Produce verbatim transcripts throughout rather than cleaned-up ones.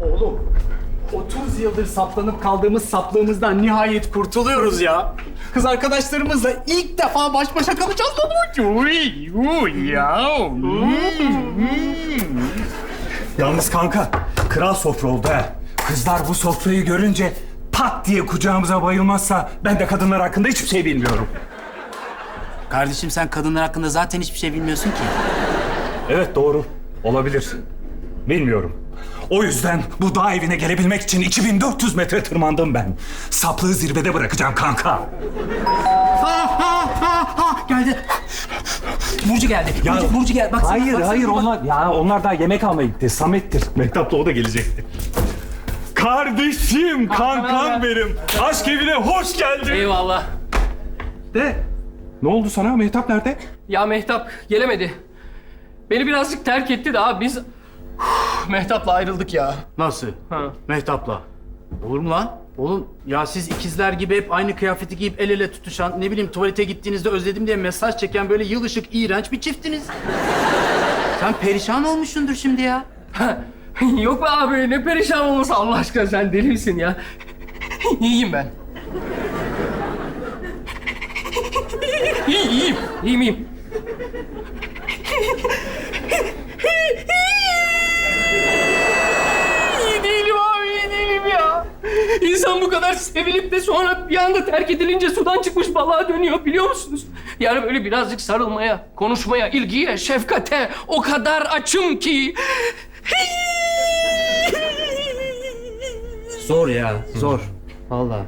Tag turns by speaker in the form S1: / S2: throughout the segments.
S1: Oğlum, otuz yıldır saplanıp kaldığımız saplığımızdan nihayet kurtuluyoruz ya. Kız arkadaşlarımızla ilk defa baş başa kalacağız lan. Uy, uy ya.
S2: Yalnız kanka, kral sofra oldu ha. Kızlar bu sofrayı görünce pat diye kucağımıza bayılmazsa ben de kadınlar hakkında hiçbir şey bilmiyorum.
S3: Kardeşim sen kadınlar hakkında zaten hiçbir şey bilmiyorsun ki.
S2: Evet doğru, olabilir. Bilmiyorum. O yüzden bu dağ evine gelebilmek için iki bin dört yüz metre tırmandım ben. Saplığı zirvede bırakacağım kanka.
S3: Ha ha ha ha geldi. Burcu geldi.
S2: Ya,
S3: Burcu, Burcu geldi. Baksana,
S2: hayır
S3: baksana,
S2: hayır
S3: bak.
S2: onlar ya onlar daha yemek almaya gitti. Samet'tir. Mehtap'la o da gelecekti. Kardeşim, kankam benim. Aşk evine hoş geldin.
S4: Eyvallah.
S2: De. Ne oldu sana? Mehtap nerede?
S4: Ya Mehtap gelemedi. Beni birazcık terk etti de abi biz Uf, Mehtap'la ayrıldık ya.
S3: Nasıl?
S4: Ha.
S3: Mehtap'la. Olur mu lan? Oğlum ya siz ikizler gibi hep aynı kıyafeti giyip el ele tutuşan, ne bileyim tuvalete gittiğinizde özledim diye mesaj çeken böyle yıl ışık iğrenç bir çiftiniz. Sen perişan olmuşsundur şimdi ya.
S4: Yok be abi ne perişan olması Allah aşkına sen deli misin ya? İyiyim ben. İyi, iyiyim. İyiyim, iyiyim. İyi değilim abi, iyi değilim ya. İnsan bu kadar sevilip de sonra bir anda terk edilince sudan çıkmış balığa dönüyor biliyor musunuz? Yani böyle birazcık sarılmaya, konuşmaya, ilgiye, şefkate o kadar açım ki...
S3: Zor ya, zor. Vallahi.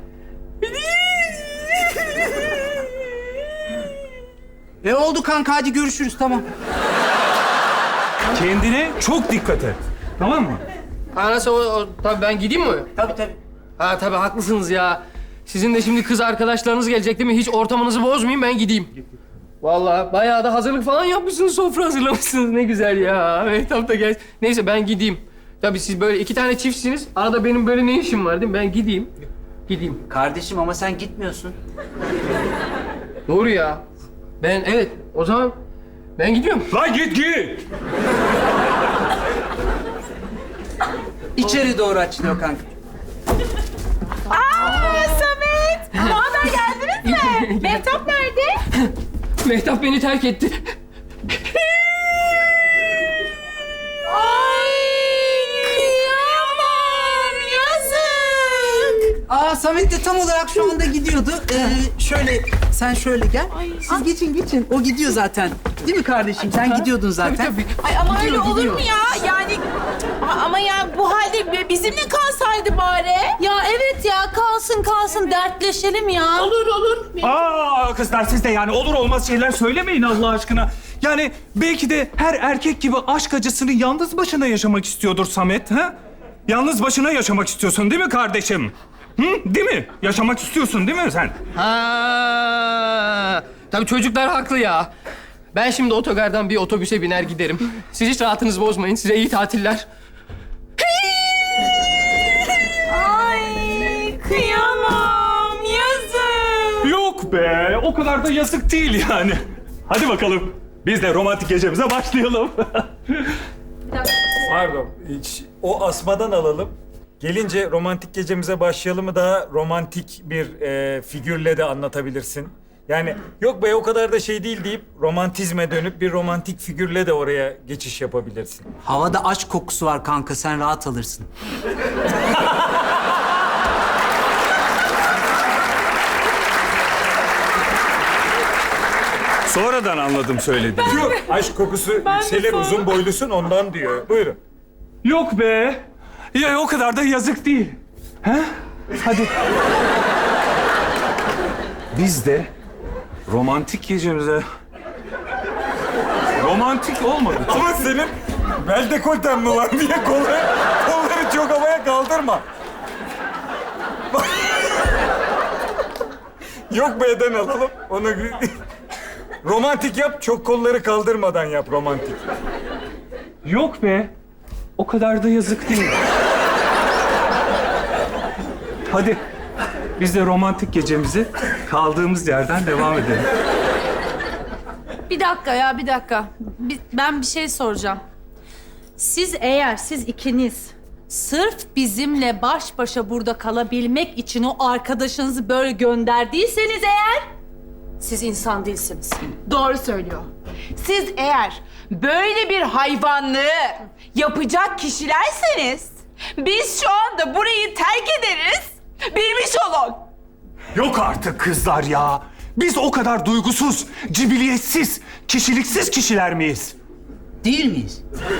S3: E oldu kanka, hadi görüşürüz, tamam.
S2: Kendine çok dikkat et. Tamam mı?
S4: Ha nasıl o, o- tabii ben gideyim mi?
S3: Tabii tabii.
S4: Ha tabii haklısınız ya. Sizin de şimdi kız arkadaşlarınız gelecek değil mi? Hiç ortamınızı bozmayayım ben gideyim. Vallahi bayağı da hazırlık falan yapmışsınız, sofra hazırlamışsınız. Ne güzel ya. Mehtap da gel. Neyse ben gideyim. Tabii siz böyle iki tane çiftsiniz. Arada benim böyle ne işim var değil mi? Ben gideyim. Gideyim.
S3: Kardeşim ama sen gitmiyorsun.
S4: Doğru ya. Ben evet o zaman ben gidiyorum.
S2: Lan git git.
S3: İçeri doğru açılıyor kanka.
S5: Aa Samet! Ne haber, geldiniz mi? Mehtap nerede?
S4: Mehtap beni terk etti.
S5: Ay kıyamam, yazık.
S3: Aa Samet de tam olarak şu anda gidiyordu. Ee, şöyle, sen şöyle gel. Siz geçin geçin. O gidiyor zaten. Değil mi kardeşim? Sen gidiyordun zaten.
S4: Tabii tabii.
S5: Ay ama öyle
S3: Gidiyor,
S5: olur
S3: gidiyor.
S5: mu ya? Yani A- ama ya bu halde bi- bizimle kalsaydı bari. Ya evet ya, kalsın kalsın, dertleşelim ya. Olur olur.
S2: Aa kızlar siz de yani olur olmaz şeyler söylemeyin Allah aşkına. Yani belki de her erkek gibi aşk acısını yalnız başına yaşamak istiyordur Samet, ha? Yalnız başına yaşamak istiyorsun değil mi kardeşim? Hı? Değil mi? Yaşamak istiyorsun değil mi sen?
S4: Ha, tabii çocuklar haklı ya. Ben şimdi otogardan bir otobüse biner giderim. Siz hiç rahatınızı bozmayın. Size iyi tatiller.
S5: Ay kıyamam, yazık.
S2: Yok be, o kadar da yazık değil yani. Hadi bakalım, biz de romantik gecemize başlayalım.
S6: Pardon, hiç o asmadan alalım. Gelince romantik gecemize başlayalımı daha romantik bir e, figürle de anlatabilirsin. Yani yok be o kadar da şey değil deyip romantizme dönüp bir romantik figürle de oraya geçiş yapabilirsin.
S3: Havada aşk kokusu var kanka, sen rahat alırsın.
S2: Sonradan anladım söylediğini.
S6: Yok, aşk kokusu yükselir, uzun boylusun ondan diyor. Buyurun.
S2: Yok be, ya o kadar da yazık değil. He? Hadi. Biz de romantik gecemize... Romantik olmadı.
S6: Ama senin bel dekolten mi var diye kolları, kolları çok havaya kaldırma. Yok be'den alalım. Onu romantik yap, çok kolları kaldırmadan yap romantik.
S2: Yok be, o kadar da yazık değil. Hadi, biz de romantik gecemizi kaldığımız yerden devam edelim.
S5: Bir dakika ya, bir dakika. Bir- ben bir şey soracağım. Siz eğer siz ikiniz Sırf bizimle baş başa burada kalabilmek için o arkadaşınızı böyle gönderdiyseniz eğer... siz insan değilsiniz.
S7: Doğru söylüyor. Siz eğer böyle bir hayvanlığı yapacak kişilerseniz biz şu anda burayı terk ederiz. Bilmiş olun.
S2: Yok artık kızlar ya. Biz o kadar duygusuz, cibiliyetsiz, kişiliksiz kişiler miyiz?
S3: Değil miyiz?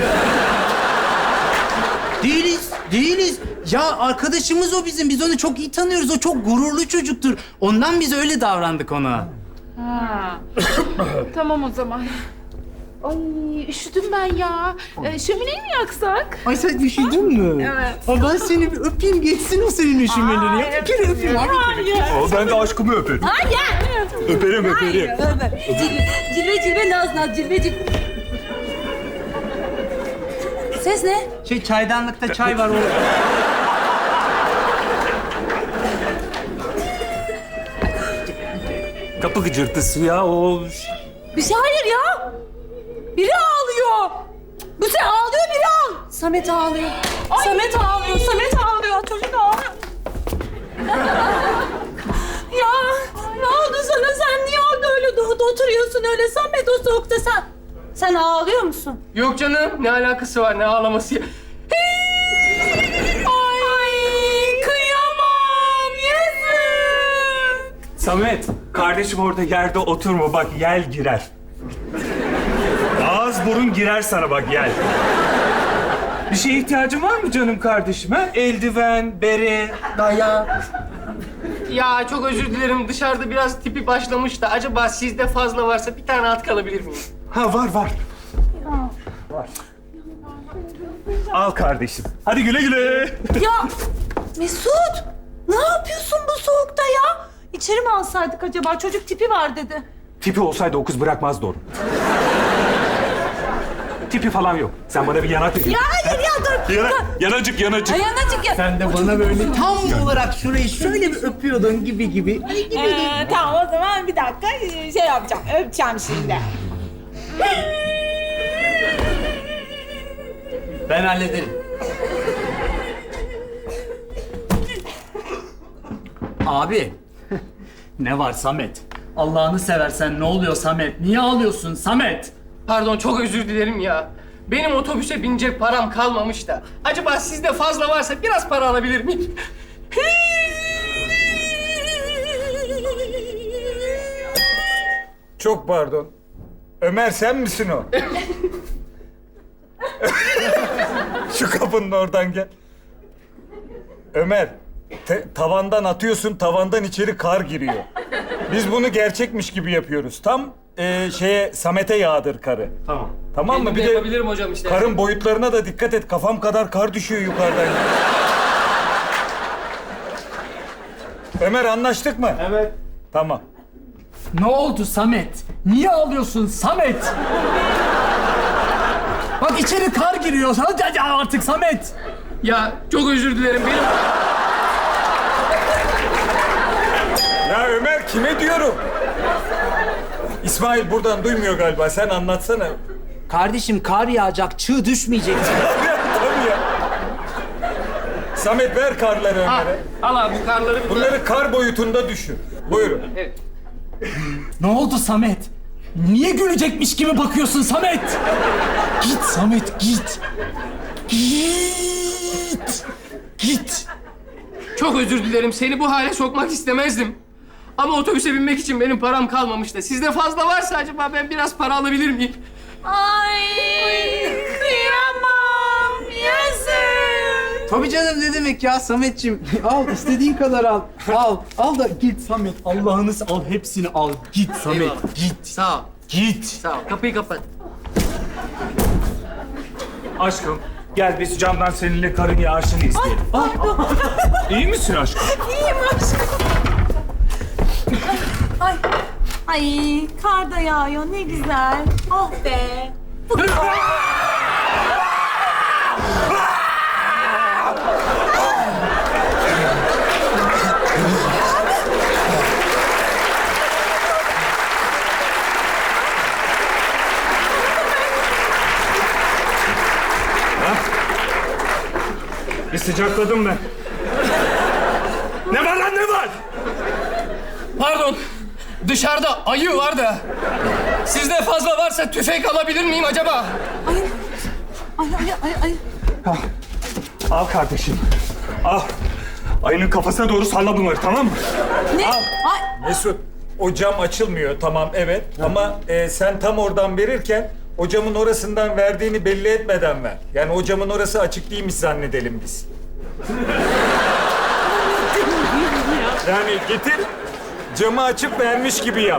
S3: Değiliz, değiliz. Ya arkadaşımız o bizim. Biz onu çok iyi tanıyoruz. O çok gururlu çocuktur. Ondan biz öyle davrandık ona.
S7: Tamam o zaman. Ay üşüdüm ben ya. Ee, şömineyi mi yaksak?
S3: Ay sen üşüdün mü?
S7: Evet.
S3: Aa, ben seni bir öpeyim geçsin o senin üşümeleri ya. Bir kere öpeyim abi.
S2: O ben de aşkımı öperim.
S5: Hayır!
S2: Öperim, öperim.
S5: Cilve, cilve, cilve naz naz, cilve cilve. Ses ne?
S3: Şey çaydanlıkta çay var o.
S2: Kapı gıcırtısı ya o.
S5: Bir şey hayır ya. Biri ağlıyor. Bu sen ağlıyor, biri ağlıyor. Samet ağlıyor. Samet ağlıyor, Samet ağlıyor. Çocuk ağlıyor. Ya ne oldu sana? Sen niye orada öyle do- oturuyorsun öyle Samet o soğukta sen? Sen ağlıyor musun?
S4: Yok canım, ne alakası var, ne ağlaması ya?
S5: Ay kıyamam yazık.
S2: Samet, kardeşim orada yerde oturma bak yel girer. Ağız burun girer sana bak yel. Bir şeye ihtiyacın var mı canım kardeşim ha? Eldiven, bere, dayak.
S4: Ya çok özür dilerim, dışarıda biraz tipi başlamış da acaba sizde fazla varsa bir tane at kalabilir miyim?
S2: Ha var var. Var. Al kardeşim. Hadi güle güle.
S5: Ya Mesut ne yapıyorsun bu soğukta ya? İçeri mi alsaydık acaba? Çocuk tipi var dedi.
S2: Tipi olsaydı o kız bırakmazdı onu. Tipi falan yok. Sen bana bir yanak ver.
S5: Ya hayır ya dur.
S2: Yana, yanacık yanacık.
S5: Dayanacık ya.
S3: Sen de bana böyle tam olarak şurayı şöyle bir öpüyordun gibi gibi.
S7: Ee, tamam o zaman bir dakika şey yapacağım. Öpeceğim şimdi.
S3: Ben hallederim. Abi. Ne var Samet? Allah'ını seversen ne oluyor Samet? Niye ağlıyorsun Samet?
S4: Pardon, çok özür dilerim ya. Benim otobüse binecek param kalmamış da. Acaba sizde fazla varsa biraz para alabilir miyim?
S6: Çok pardon. Ömer sen misin o? Şu kapının oradan gel. Ömer, te- tavandan atıyorsun, tavandan içeri kar giriyor. Biz bunu gerçekmiş gibi yapıyoruz. Tam e, şeye Samet'e yağdır karı.
S2: Tamam.
S6: Tamam mı?
S4: Kendim
S6: Bir
S4: de
S6: de
S4: yapabilirim hocam işte.
S6: karın boyutlarına da dikkat et. Kafam kadar kar düşüyor yukarıdan. Ömer anlaştık mı?
S2: Evet.
S6: Tamam.
S3: Ne oldu Samet? Niye ağlıyorsun Samet? Bak içeri kar giriyor. Hadi artık Samet.
S4: Ya çok özür dilerim, benim...
S6: Ya Ömer kime diyorum? İsmail buradan duymuyor galiba. Sen anlatsana.
S3: Kardeşim kar yağacak, çığ düşmeyecek.
S6: Tabii ya. Samet ver karları
S4: Al,
S6: Ömer'e.
S4: al abi bu karları. bir-
S6: Bunları kar boyutunda düşün. Buyurun.
S4: Evet.
S3: Ne oldu Samet? Niye gülecekmiş gibi bakıyorsun Samet? Git Samet git. Git. Git.
S4: Çok özür dilerim, seni bu hale sokmak istemezdim. Ama otobüse binmek için benim param kalmamış da. Sizde fazla varsa acaba ben biraz para alabilir miyim?
S5: Ay kıyamam yazık.
S3: Tabii canım ne demek ya Sametciğim. Al istediğin kadar al. Al. Al da git Samet. Allah'ını se- al hepsini al. Git Samet.
S4: Eyvallah.
S3: Git.
S4: Sağ ol,
S3: Git.
S4: sağ ol. Kapıyı kapat.
S2: Aşkım gel biz camdan seninle karın yağışını izleyelim.
S5: Pardon.
S2: İyi misin aşkım?
S5: İyiyim aşkım. Ay. Ay kar da yağıyor ne güzel. Oh be.
S2: sıcakladım ben. Ne var lan ne var?
S4: Pardon. Dışarıda ayı var da. Sizde fazla varsa tüfek alabilir miyim acaba?
S5: Ay, ay, ay, ay.
S2: Al kardeşim. Al. Ayının kafasına doğru salla bunları, tamam mı?
S5: Ne? Ay,
S6: Mesut, o cam açılmıyor tamam evet ama e, sen tam oradan verirken o camın orasından verdiğini belli etmeden ver. Yani o camın orası açık değilmiş zannedelim biz. Yani getir, camı açıp vermiş gibi yap.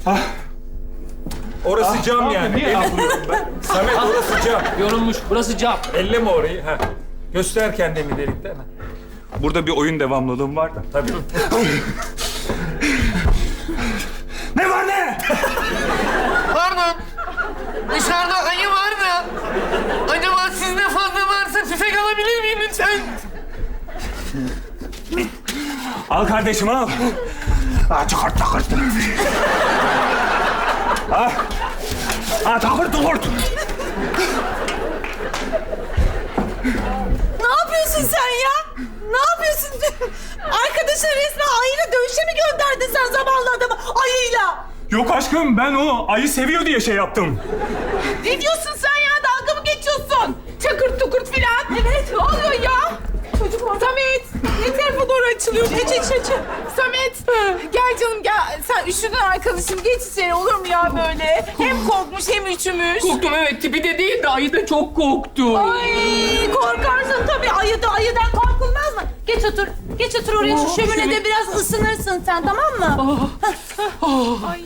S6: Orası cam yani.
S2: Niye ağlıyorum ben?
S6: Samet orası cam.
S4: Yorulmuş. Burası cam.
S6: Elleme orayı. Ha. Göster kendini delikten. Ha.
S2: Burada bir oyun devamlılığım var da.
S6: Tabii.
S2: Ne var ne?
S4: Pardon. Dışarıda ayı var da. Acaba sizde fazla varsa tüfek alabilir miyim lütfen?
S2: Al kardeşim al. Ah, çıkart çıkart. Ah. Ah, çıkart çıkart.
S5: ne yapıyorsun sen ya? Ne yapıyorsun? Arkadaşın resmen ayıyla dövüşe mi gönderdin sen zavallı adamı ayıyla?
S2: Yok aşkım, ben o ayı seviyor diye şey yaptım.
S7: Ne diyorsun sen ya? Dalga mı geçiyorsun? Çakırt tukurt filan. Evet. Ne oluyor ya? Çocuk Samet. Ne tarafa doğru açılıyor? Geç geç geç. Samet. Gel canım gel. Sen üşüdün arkadaşım. Geç içeri olur mu ya böyle? Hem korkmuş hem üşümüş.
S4: Korktum evet. Tipi de değil de ayı da çok korktu.
S5: Ay korkarsın tabii ayıda ayıdan korkulmaz mı? Geç otur. Geç otur oraya şu şöminede biraz ısınırsın sen tamam mı?
S7: Ay.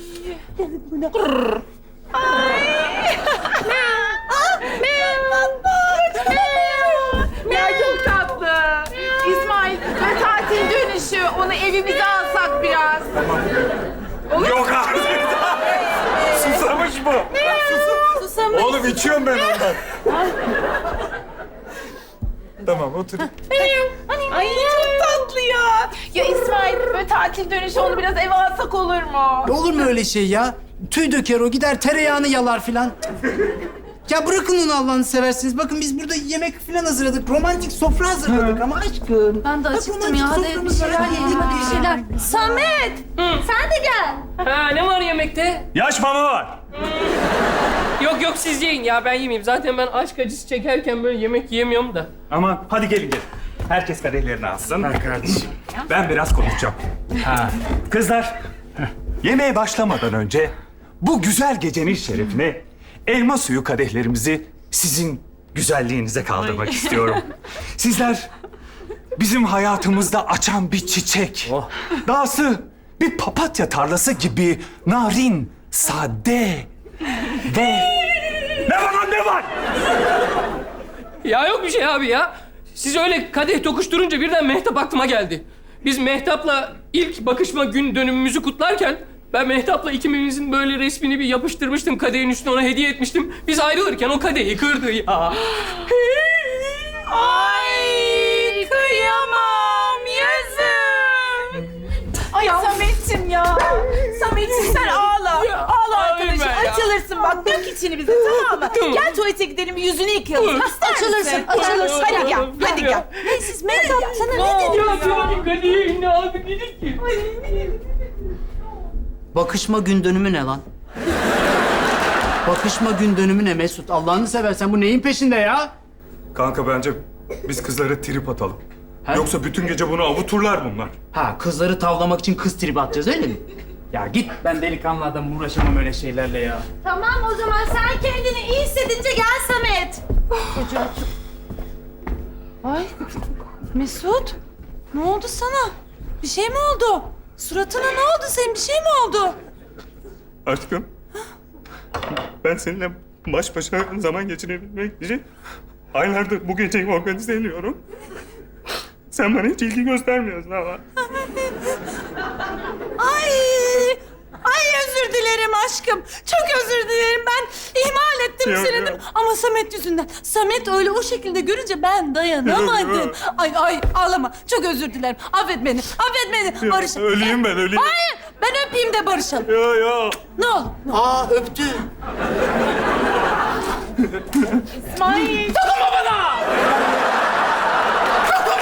S7: Ya çok tatlı. İsmail ve tatil dönüşü onu evimize alsak biraz.
S2: Yok artık. Susamış bu.
S5: Susamış.
S6: Oğlum içiyorum ben ondan. Tamam otur.
S7: Ay çok tatlı ya. Ya İsmail ve tatil dönüşü onu biraz eve alsak olur mu?
S3: Olur mu öyle şey ya? Tüy döker o, gider tereyağını yalar filan. Ya bırakın onu Allah'ını seversiniz. Bakın biz burada yemek filan hazırladık. Romantik sofra hazırladık ama aşkım.
S5: Ben de
S3: Bak,
S5: acıktım
S3: romantik
S5: ya. Hadi bir
S3: soframız var.
S5: şeyler yiyelim hadi bir şeyler. Samet sen de gel.
S4: Ha ne var yemekte?
S2: Yaş mama var.
S4: Yok yok siz yiyin ya ben yemeyeyim. Zaten ben aşk acısı çekerken böyle yemek yiyemiyorum da.
S2: Aman hadi gelin gelin. Herkes kadehlerini alsın. Ben kardeşim. Ben biraz konuşacağım. Ha. Kızlar, yemeğe başlamadan önce bu güzel gecenin şerefine elma suyu kadehlerimizi sizin güzelliğinize kaldırmak istiyorum. Sizler bizim hayatımızda açan bir çiçek. Dahası bir papatya tarlası gibi narin, sade ve... Ne var lan ne var?
S4: Ya yok bir şey abi ya. Siz öyle kadeh tokuşturunca birden Mehtap aklıma geldi. Biz Mehtap'la ilk bakışma gün dönümümüzü kutlarken ben Mehtap'la ikimizin böyle resmini bir yapıştırmıştım. Kadehin üstüne ona hediye etmiştim. Biz ayrılırken o kadehi kırdı ya.
S7: Ay kıyamam yazık. Ay Samet'ciğim ya. Samet'ciğim sen ağla. Ağla arkadaşım.
S4: ben ya.
S7: Açılırsın bak. Dök içini bize tamam mı?
S4: Tamam.
S7: Gel tuvalete gidelim yüzünü yıkayalım. Hasta
S5: Açılırsın, açılırsın.
S7: Hadi gel. Hadi gel.
S5: Ne siz Mehtap sana ne dedi?
S4: Ya diyorum ki kadehi ne aldı dedik ki.
S3: Bakışma gün dönümü ne lan? Bakışma gün dönümü ne Mesut? Allah'ını seversen bu neyin peşinde ya?
S2: Kanka bence biz kızlara trip atalım.
S3: Ha?
S2: Yoksa bütün gece bunu avuturlar bunlar.
S3: Ha, kızları tavlamak için kız tribi atacağız öyle mi? Ya git, ben delikanlı adam uğraşamam öyle şeylerle ya.
S5: Tamam o zaman sen kendini iyi hissedince gel Samet. Ay Mesut ne oldu sana? Bir şey mi oldu? Suratına ne oldu senin? Bir şey mi oldu?
S2: Aşkım, ben seninle baş başa zaman geçirebilmek için aylardır bu geceyi organize ediyorum. Sen bana hiç ilgi göstermiyorsun ama.
S5: Ay, ay özür dilerim aşkım. Çok özür dilerim. Ben ihmal ettim
S2: Yok,
S5: seni.
S2: yok.
S5: Değil mi? Ama Samet yüzünden. Samet öyle o şekilde görünce ben dayanamadım.
S2: Yok, yok.
S5: Ay ay ağlama. Çok özür dilerim. Affet beni. Affet beni.
S2: Yok,
S5: Barışalım.
S2: öleyim ben, öleyim.
S5: Hayır. Ben öpeyim de barışalım.
S2: Yo yo.
S5: Ne olur. Ne olur.
S3: Aa, öptü.
S7: İsmail.
S4: Dokunma bana! Dokunma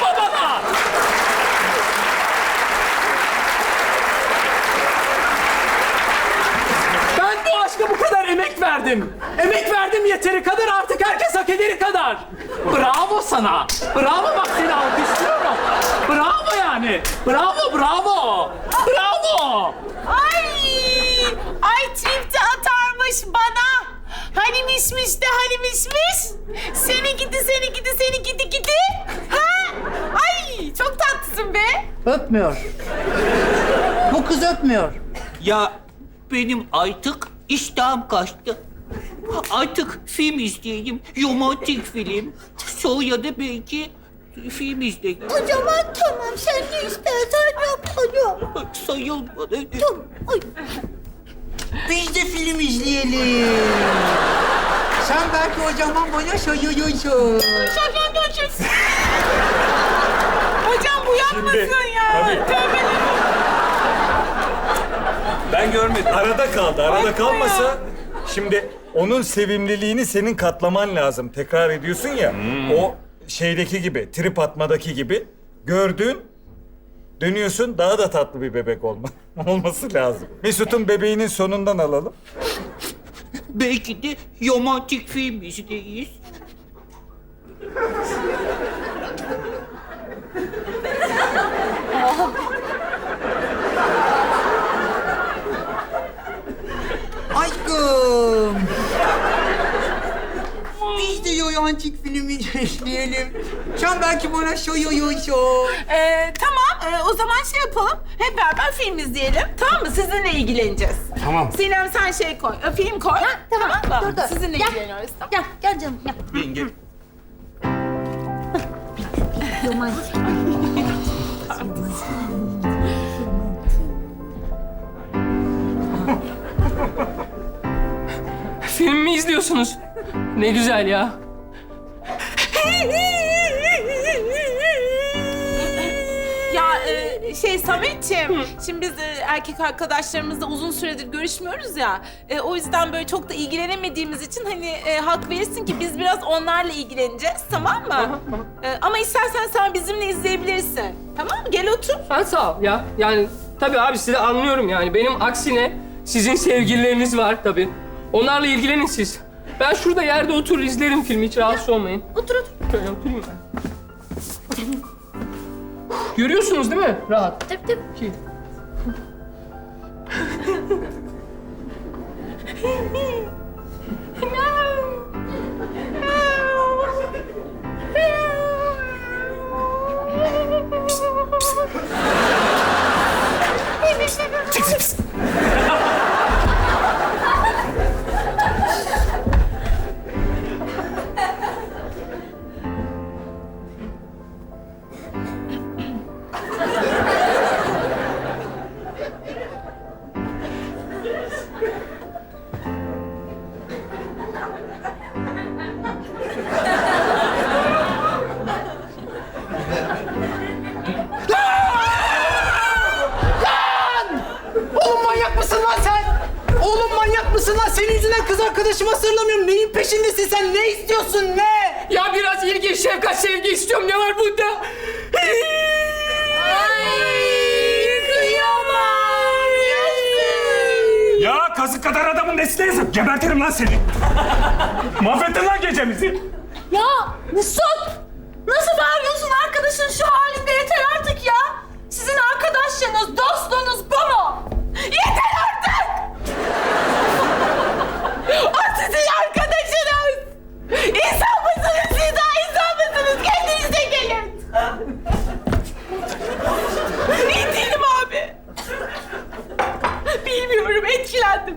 S1: verdim. Emek verdim yeteri kadar, artık herkes hak ederi kadar. Bravo sana. Bravo, bak seni alkışlıyorum. Bravo yani. Bravo, bravo. Bravo.
S7: Ay! Ay tripte atarmış bana. Hani mişmiş de hani mişmiş. Seni gidi, seni gidi, seni gidi gidi. Ha? Ay çok tatlısın be.
S3: Öpmüyor. Bu kız öpmüyor.
S8: Ya benim artık iştahım kaçtı. Artık film izleyeyim. Romantik film. Sonra da belki film izleyeyim.
S9: O zaman tamam, sen ne istersen yap hadi.
S8: Sayılmadı.
S9: Tamam. Ay.
S3: Biz de film izleyelim. Sen belki o zaman bana sayıyorsun.
S7: Şaka dönüşürsün. Hocam bu yapmasın
S6: Şimdi,
S7: ya.
S6: tabii.
S7: Tövbe.
S6: Ben görmedim. Arada kaldı. Arada kalmasa şimdi onun sevimliliğini senin katlaman lazım. Tekrar ediyorsun ya. O şeydeki gibi, trip atmadaki gibi. Gördün, dönüyorsun, daha da tatlı bir bebek olma olması lazım. Mesut'un bebeğinin sonundan alalım.
S8: Belki de romantik film izleyiz.
S3: Aşkım. Biz de romantik filmi izleyelim. Sen belki bana sayıyorsun.
S7: Ee, tamam ee, o zaman şey yapalım. Hep beraber film izleyelim. Tamam mı? Sizinle ilgileneceğiz.
S1: Tamam.
S7: Sinem sen şey koy. e, Film koy.
S9: Tamam,
S7: mı?
S9: dur dur.
S7: Sizinle
S9: Gel.
S7: ilgileniyoruz. Tamam.
S9: Gel, gel canım gel.
S8: Yenge.
S9: Romantik.
S4: Film mi izliyorsunuz? Ne güzel ya.
S7: Ya e, şey Sametciğim, şimdi biz e, erkek arkadaşlarımızla uzun süredir görüşmüyoruz ya. E, o yüzden böyle çok da ilgilenemediğimiz için hani e, hak verirsin ki biz biraz onlarla ilgileneceğiz, tamam mı? E, ama istersen sen bizimle izleyebilirsin. Tamam mı? Gel otur.
S4: Ha, sağ ol ya. Yani tabii abi sizi anlıyorum yani. Benim aksine sizin sevgilileriniz var tabii. Onlarla ilgilenin siz. Ben şurada yerde oturur izlerim filmi. Hiç rahatsız olmayın.
S9: Otur otur.
S4: Şöyle oturayım ben. Görüyorsunuz değil mi? Rahat.
S9: Tabii tabii.
S4: İki.
S1: Oğlum manyak mısın lan sen? Oğlum manyak mısın lan? Senin yüzünden kız arkadaşımı hatırlamıyorum. Neyin peşindesin sen? Ne istiyorsun? Ne?
S4: Ya biraz ilgi, şefkat, sevgi istiyorum. Ne var bunda?
S2: Ya kazık kadar adamın nesine yazık. Gebertirim lan seni. Mahvettin lan gecemizi.
S5: Ya Mesut! Nasıl bağırıyorsun arkadaşın şu halinde? Yeter artık ya! Sizin arkadaşlığınız, dostluğunuz bu mu? Yeter artık!
S7: O sizin arkadaşınız. İnsan mısınız siz daha insan mısınız? Kendinize gelin. İyi değilim abi. Bilmiyorum, etkilendim.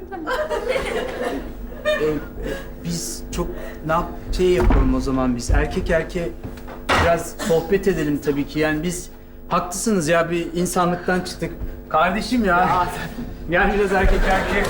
S3: Biz çok ne yap şey yapalım o zaman biz. Erkek erkeğe biraz sohbet edelim tabii ki. Yani biz haklısınız ya, bir insanlıktan çıktık. Kardeşim ya. Yani biraz erkek erkeğe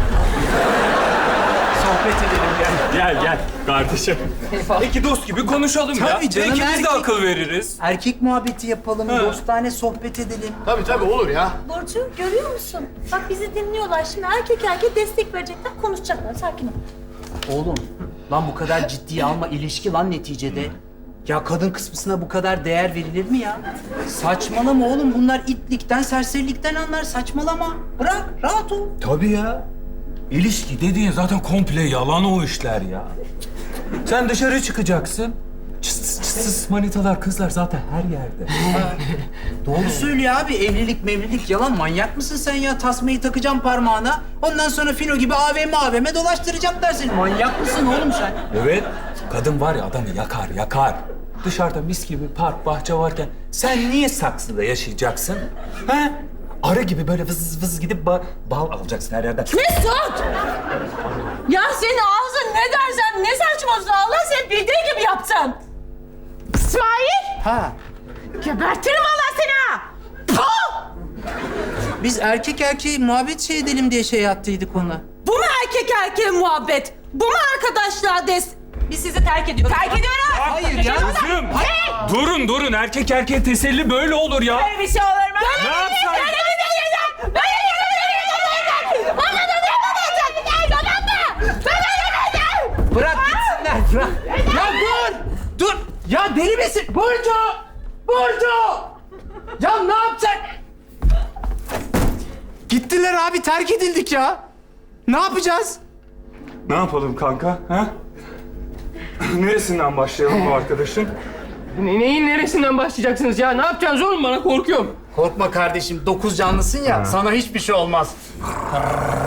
S3: sohbet edelim yani.
S2: Gel gel kardeşim. İki dost gibi konuşalım ya.
S3: Tabii canım,
S2: Belki biz de
S3: erkek-
S2: akıl veririz.
S3: Erkek muhabbeti yapalım,
S2: Ha.
S3: dostane sohbet edelim.
S1: Tabii tabii olur ya.
S9: Burcu görüyor musun? Bak bizi dinliyorlar. Şimdi erkek erkeğe destek verecekler, konuşacaklar. Sakin ol.
S3: Oğlum, lan bu kadar ciddiye alma, ilişki lan neticede. Ya kadın kısmına bu kadar değer verilir mi ya? Saçmalama oğlum, bunlar itlikten, serserilikten anlar. Saçmalama. Bırak, rahat ol.
S1: Tabii ya.
S2: İlişki dediğin zaten komple yalan o işler ya. Sen dışarı çıkacaksın. Çıs çıs çıs manitalar, kızlar zaten her yerde.
S3: Doğru söylüyor abi. Evlilik mevlilik yalan. Manyak mısın sen ya? Tasmayı takacağım parmağına. Ondan sonra fino gibi A V M A V M dolaştıracaklar seni. Manyak mısın oğlum sen?
S2: Evet. Kadın var ya adamı yakar yakar. Dışarıda mis gibi park, bahçe varken sen niye saksıda yaşayacaksın? Ha? Arı gibi böyle vız vız gidip ba- bal alacaksın her yerden.
S5: Mesut! Ya senin ağzın ne dersen ne saçmalıyorsun? Allah seni bildiği gibi yaptın.
S7: İsmail!
S3: Ha.
S7: Gebertirim Allah seni ha! Puh!
S3: Biz erkek erkeğe muhabbet şey edelim diye şey yaptıydık ona.
S5: Bu mu erkek erkeğe muhabbet? Bu mu arkadaşlığa des... Biz sizi terk ediyoruz.
S7: Terk ediyorum!
S3: Hayır ya.
S2: Kızım! Durun durun, erkek erkeğe teselli böyle olur ya.
S7: Böyle bir şey olur mu?
S2: Ne yapsaydın?
S7: Böyle bir şey olur mu? Böyle bir şey olur mu? Bana da yapamayacak! Tamam mı? Bana yapamayacak!
S3: Bırak gitsinler. Bırak. Ya dur. Dur. Ya deli misin? Burcu. Burcu. Ya ne yapacak? Gittiler abi. Terk edildik ya. Ne yapacağız?
S2: Ne yapalım kanka? Ha? Neresinden başlayalım bu arkadaşın?
S4: Ne, neyin neresinden başlayacaksınız ya? Ne yapacaksınız oğlum, bana korkuyorum.
S3: Korkma kardeşim. Dokuz canlısın ya. Sana hiçbir şey olmaz.